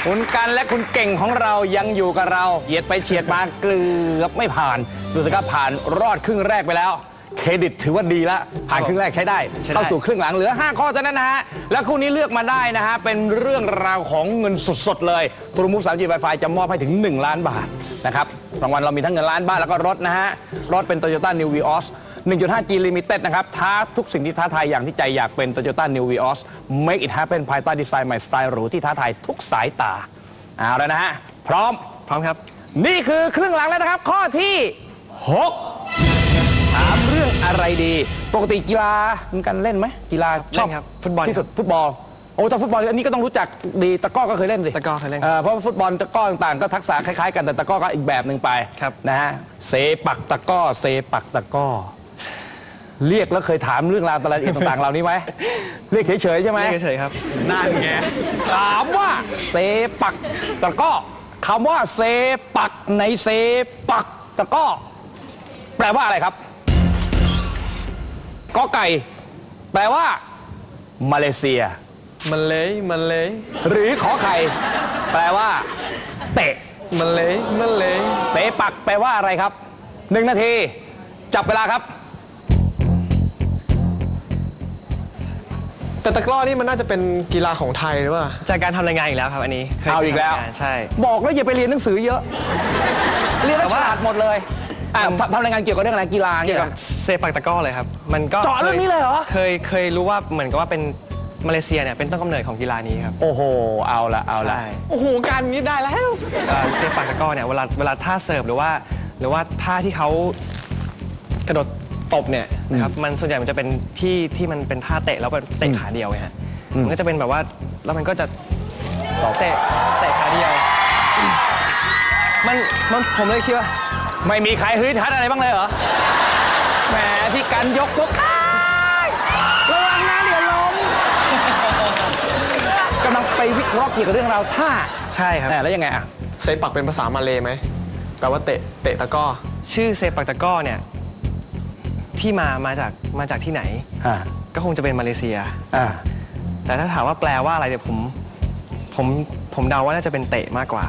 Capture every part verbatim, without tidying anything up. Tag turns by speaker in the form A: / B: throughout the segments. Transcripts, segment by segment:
A: คุณกันและคุณเก่งของเรายังอยู่กับเราเหยียดไปเฉียดมาเกือบไม่ผ่านดูสิครับผ่านรอดครึ่งแรกไปแล้วเครดิตถือว่าดีแล้วผ่านครึ่งแรกใช้ได้เข้าสู่ครึ่งหลังเหลือห้าข้อเท่านั้นนะฮะแล้วคู่นี้เลือกมาได้นะฮะเป็นเรื่องราวของเงินสดๆเลยทรูมูฟ สามจี Wi-Fi จะมอบให้ถึงหนึ่งล้านบาทนะครับรางวัลเรามีทั้งเงินล้านบาทแล้วก็รถนะฮะรถเป็น Toyota New Vios หนึ่งจุดห้า จี Limited นะครับท้าทุกสิ่งที่ท้าทายอย่างที่ใจอยากเป็น Toyota New Vios Make it happen ภายใต้ดีไซน์ใหม่สไตล์หรูที่ท้าทายทุกสายตาเอาแล้วนะฮะพร้อม
B: พร้อมครับ
A: นี่คือครึ่งหลังแล้วนะครับข้อที่หกถามเรื่องอะไรดีปกติกีฬาคุณกันเล่นไหมกีฬาชอบ
B: ฟุตบอล
A: ที่สุดฟุตบอลโอ้แต่ฟุตบอลอันนี้ก็ต้องรู้จักดีตะก้อก็เคยเล่นสิ
B: ตะก้อเคยเล่น
A: เพราะฟุตบอลตะก้อต่างๆก็ทักษะคล้ายๆกันแต่ตะก้อก็อีกแบบหนึ่งไปนะฮะเซปักตะก้อเซปักตะก้อเรียกแล้วเคยถามเรื่องราวรายละเอียดต่างๆเหล่านี้ไหมเรียกเฉยๆใช่ไหม
B: เรียกเฉยๆครับ
A: นั่นไงถามว่าเซปักตะก้อคำว่าเซปักในเซปักตะก้อแปลว่าอะไรครับกอไก่แปลว่ามาเลเซีย
B: มันเลยมันเลย
A: หรือขอไข่แปลว่าเตะ
B: มันเลยมันเลย
A: เสปักแปลว่าอะไรครับหนึ่งนาทีจับเวลาครับ
B: แต่ตะกร้อนี่มันน่าจะเป็นกีฬาของไทยหรือเปล่าจากการทำรายงานอีกแล้วครับอันนี้
A: เอาอีกแล้ว
B: ใช่
A: บอกแล้วอย่าไปเรียนหนังสือเยอะเรียนแล้วฉลาดหมดเลยทำรายงานเกี่ยวกับเรื่องอะไรกีฬา
B: เกี่ยวกับเซปักตะก้อเลยครับมันก็
A: เจาะเรื่องนี้เลยเหรอ
B: เคยเคยรู้ว่าเหมือนกับว่าเป็นมาเลเซียเนี่ยเป็นต้นกำเนิดของกีฬานี้ครับ
A: โอ้โหเอาละเอาละ
B: โอ้โหการนี้ได้แล้วเซปักตะก้อเนี่ยเวลาเวลาท่าเสิร์ฟหรือว่าหรือว่าท่าที่เขากระโดดตบเนี่ยนะครับมันส่วนใหญ่มันจะเป็นที่ที่มันเป็นท่าเตะแล้วเป็นเตะขาเดียวไงฮะมันก็จะเป็นแบบว่าแล้วมันก็จะเตะเตะขาเดียวมันมันผมเลยคิดว่า
A: ไม่มีใครฮึดฮัดอะไรบ้างเลยเหรอแหมที่กันยกปุ๊บระวังนะเดี๋ยวล้มกำลังไปวิเคราะห์เกี่ยวกับเรื่องราวท่า
B: ใช่ครับ
A: แล้วยังไงอ่ะ
B: เซปักเป็นภาษามาเลย์ไหมแปลว่าเตะเตะตะก้อชื่อเซปักตะก้อเนี่ยที่มามาจากมาจากที่ไหนก็คงจะเป็นมาเลเซียแต่ถ้าถามว่าแปลว่าอะไรเนี่ยผมผมผมเดาว่าน่าจะเป็นเตะมากกว่า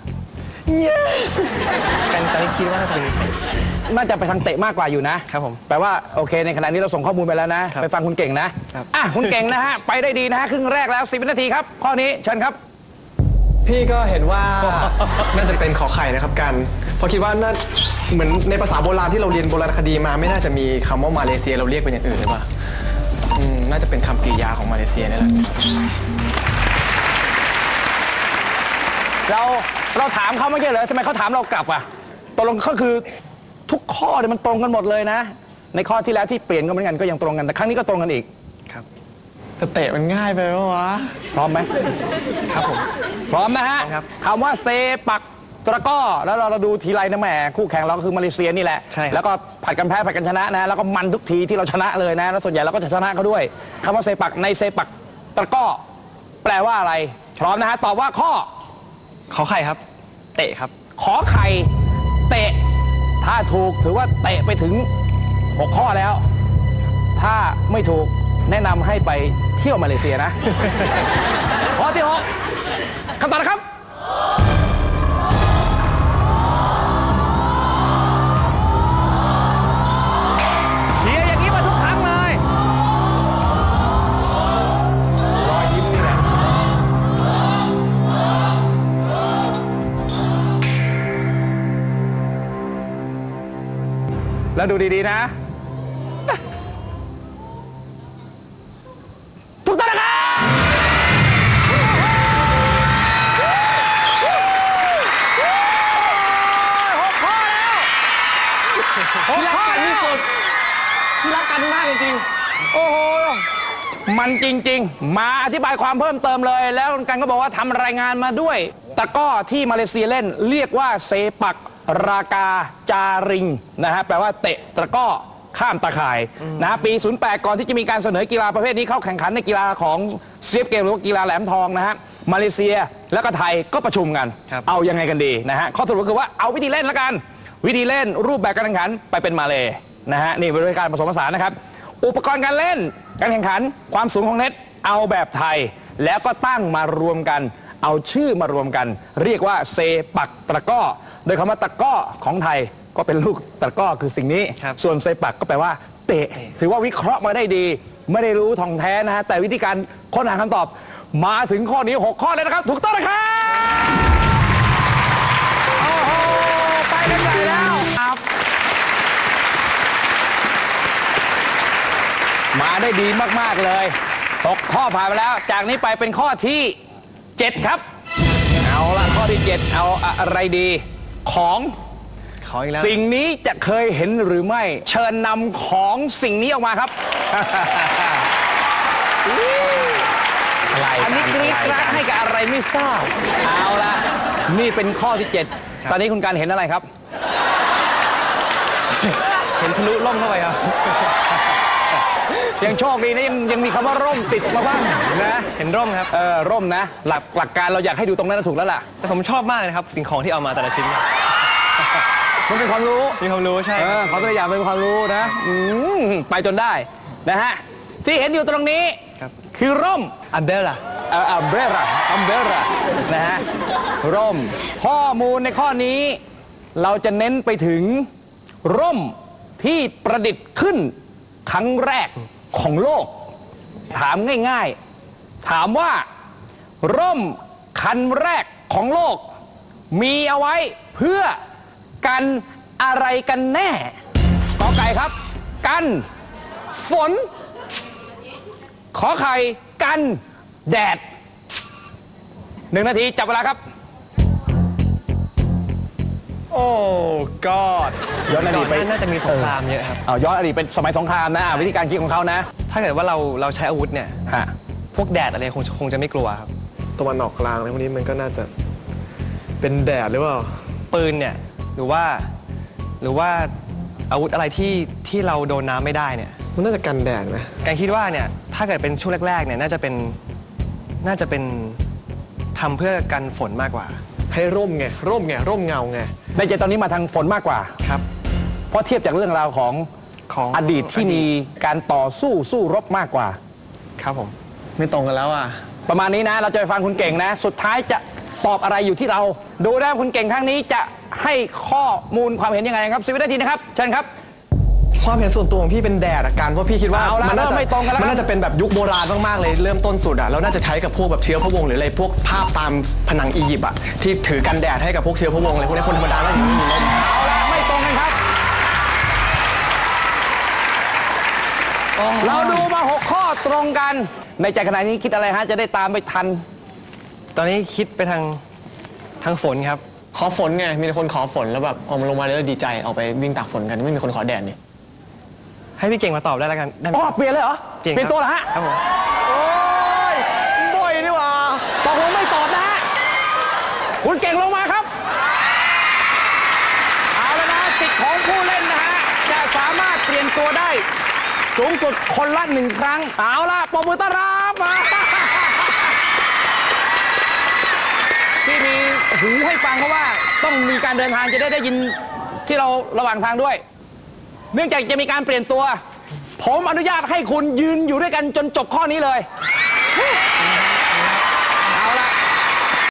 B: กันตอนนี้คิดว่าน่าจะเป็น
A: น่าจะไปทางเตะมากกว่าอยู่นะครับผมแปลว่าโอเคในขณะนี้เราส่งข้อมูลไปแล้วนะไปฟังคุณเก่งนะอ่ะคุณเก่งนะฮะไปได้ดีนะฮะครึ่งแรกแล้วสิบนาทีครับข้อนี้เชิญครับ
B: พี่ก็เห็นว่าน่าจะเป็นขอไข่นะครับกันเพราะคิดว่าน่าเหมือนในภาษาโบราณที่เราเรียนโบราณคดีมาไม่น่าจะมีคำว่ามาเลเซียเราเรียกเป็นอย่างอื่นหรือเปล่าน่าจะเป็นคำกริยาของมาเลเซียนี่แหละ
A: เราเราถามเขาไม่ใช่เหรอทำไมเขาถามเรากลับอ่ะตกลงก็คือทุกข้อเนี่ยมันตรงกันหมดเลยนะในข้อที่แล้วที่เปลี่ยนก็เหมือนกันก็ยังตรงกันแต่ครั้งนี้ก็ตรงกันอีก
B: ครับแต่เตะมันง่ายไปปะวะ
A: พร้อมไหม
B: ครับผม
A: พร้อมนะฮะคำว่าเซปักตะก้อแล้วเราเราดูทีไรนะแหมคู่แข่งเราก็คือมาเลเซียนี่แหละแล้วก็ผัดกันแพ้ผัดกันชนะนะแล้วก็มันทุกทีที่เราชนะเลยนะแล้วส่วนใหญ่เราก็จะชนะเขาด้วยคำว่าเซปักในเซปักตะก้อแปลว่าอะไรพร้อมนะฮะตอบว่าข้อ
B: ขอไข่ครับเตะครับ
A: ขอไข่เตะถ้าถูกถือว่าเตะไปถึงหกข้อแล้วถ้าไม่ถูกแนะนำให้ไปเที่ยวมาเลเซียนะข้อที่หกคำตอบนะครับเชียร์อย่างนี้มาทุกครั้งเลยรอยยิ้มนี่แหละแล้วดูดีๆนะถูกต้องนะครับหกข้อแล้วหกข้อที่สุด
B: ที่รักกันมากจริง
A: ๆโอ้โหมันจริงๆมาอธิบายความเพิ่มเติมเลยแล้วกันก็บอกว่าทำรายงานมาด้วยตะก้อที่มาเลเซียเล่นเรียกว่าเซปักรากาจาริงนะฮะแปลว่าเตะตะก้อข้ามตะข่ายนะปีศูนย์แปดก่อนที่จะมีการเสนอกีฬาประเภทนี้เข้าแข่งขันในกีฬาของเซียฟเกมหรือกีฬาแหลมทองนะฮะมาเลเซียแล้วก็ไทยก็ประชุมกันเอายังไงกันดีนะฮะข้อสรุปก็คือว่าเอาวิธีเล่นละกันวิธีเล่นรูปแบบการแข่งขันไปเป็นมาเลนะฮะนี่เป็นการผสมผสานนะครับอุปกรณ์การเล่นการแข่งขันความสูงของเน็ตเอาแบบไทยแล้วก็ตั้งมารวมกันเอาชื่อมารวมกัน เรียกว่าเซปักตะกร้อโดยคำว่าตะกร้อของไทยก็เป็นลูกตะกร้อคือสิ่งนี้
B: ครับ
A: ส่วนเซปักก็แปลว่าเตะถือว่าวิเคราะห์มาได้ดี ไม่ได้รู้ท่องแท้นะฮะแต่วิธีการค้นหาคำตอบมาถึงข้อนี้หกข้อเลยนะครับถูกต้องนะครับโอ้โหไปกันใหญ่แล้วครับมาได้ดีมากๆเลยตกข้อผ่านไปแล้ว จากนี้ไปเป็นข้อที่เจ็ดครับเอาละข้อที่เจ็ดเอาอะไรดีของ
B: ขออีกแล้ว
A: สิ่งนี้จะเคยเห็นหรือไม่ เชิญนำของสิ่งนี้ออกมาครับ
B: อะไร
A: อันนี้กรี๊ดกราดให้กับอะไรไม่ทราบเอาละนี่เป็นข้อที่เจ็ดตอนนี้คุณการเห็นอะไรครับ
B: เห็นทะลุล่มเข้าไปครับ
A: ยังโชคดีนะยังยังมีคำว่าร่มติดมาบ้างนะ
B: เห็นร่มครับ
A: เออร่มนะ หลักหลักการเราอยากให้ดูตรงนั้นนะถูกแล้วล่ะ
B: แต่ผมชอบมากเลยนะครับ สิ่งของที่เอามาแต่ละชิ้นเนี่ย
A: มันเป็นความรู้
B: มีความรู้ใช่
A: เออความตัวอย่างเป็นความรู้นะอืมไปจนได้นะฮะที่เห็นอยู่ตรงนี้
B: ครับ
A: คือร่ม
B: อัมเบล่า
A: เอ่อ umbrella umbrella นะฮะร่มข้อมูลในข้อนี้ เราจะเน้นไปถึงร่มที่ประดิษฐ์ขึ้นครั้งแรกของโลก ถามง่ายๆ ถามว่า ร่มคันแรกของโลก มีเอาไว้เพื่อกันอะไรกันแน่กอไก่ครับ กันฝน ขอไข่กันแดดหนึ่งนาทีจับเวลาครับ
B: โอ้กอด
A: ย้อนอดีตไป
B: น่าจะมีสงครามเยอะครับ
A: เอาย้อนอดีตเป็นสมัยสงครามนะอ่ะวิธีการคิดของเขานะ
B: ถ้าเกิดว่าเราเราใช้อาวุธเนี่ย
A: ฮะ
B: พวกแดดอะไรคงคงจะไม่กลัวครับ
C: ตะวันออกกลางอะไรพวกนี้มันก็น่าจะเป็นแดดหรือเปล่า
B: ปืนเนี่ยหรือว่าหรือว่าอาวุธอะไรที่ที่เราโดนน้ำไม่ได้เนี่ย
C: มันน่าจะกันแดดไหม
B: การคิดว่าเนี่ยถ้าเกิดเป็นช่วงแรกๆเนี่ยน่าจะเป็นน่าจะเป็นทำเพื่อกันฝนมากกว่า
C: ให้ร่มไง ร่มไง ร่มเงาไง
A: ในใจตอนนี้มาทางฝนมากกว่า
B: ครับ
A: เพราะเทียบจากเรื่องราวของ
B: ของ
A: อดีตที่มีการต่อสู้สู้รบมากกว่า
B: ครับผม
C: ไม่ตรงกันแล้วอ่ะ
A: ประมาณนี้นะ เราจะไปฟังคุณเก่งนะ สุดท้ายจะตอบอะไรอยู่ที่เรา ดูนะคุณเก่งครั้งนี้จะให้ข้อมูลความเห็นยังไงครับสิบวินาทีนะครับเชิญครับ
C: ความเห็นส่วนตัวของพี่เป็นแดดอะการเพราะพี่คิดว่า
A: เอาละ
C: มัน่าจะ
A: เริ่มไม่ตรงกันแล้ว
C: มันน่าจะเป็นแบบยุคโบราณมากๆเลยเริ่มต้นสุดอะแล้วน่าจะใช้กับพวกแบบเชื้อพระวงศ์หรืออะไรพวกภาพตามผนังอียิปต์อะที่ถือกันแดดให้กับพวกเชื้อพระวงศ์อะไรพวกนี้คนธรรมดาน่าจะไม่มีร่ม
A: เอาละไม่ตรงกันครับ เราดูมาหกข้อตรงกัน ในใจขณะนี้คิดอะไรฮะจะได้ตามไปทัน
B: ตอนนี้คิดไปทางทางฝนครับ
C: ขอฝนไงมีคนขอฝนแล้วแบบออกมาลงมาแล้วดีใจออกไปวิ่งตากฝนกันไม่มีคนขอแดดนี่
B: ให้พี่เก่งมาตอบได้แล้วกันได้ไหม
A: อ๋อเปลี่ยนเลยเหรอ
B: เก่ง
A: เปลี่ยนตัวเหรอฮะ
B: ครับผม
C: โอ้ยบ่อยนี่หว่า
A: ตกลงไม่ตอบนะฮะคุณเก่งลงมาครับ เอาแล้วนะสิทธิ์ของผู้เล่นนะฮะจะสามารถเปลี่ยนตัวได้ สูงสุดคนละหนึ่งครั้ง เอาล่ะปรบมือต้อนรับมาที่มีหูให้ฟังเพราะว่าต้องมีการเดินทางจะได้ได้ยินที่เราระหว่างทางด้วย เนื่องจากจะมีการเปลี่ยนตัว ผมอนุญาตให้คุณยืนอยู่ด้วยกันจนจบข้อนี้เลย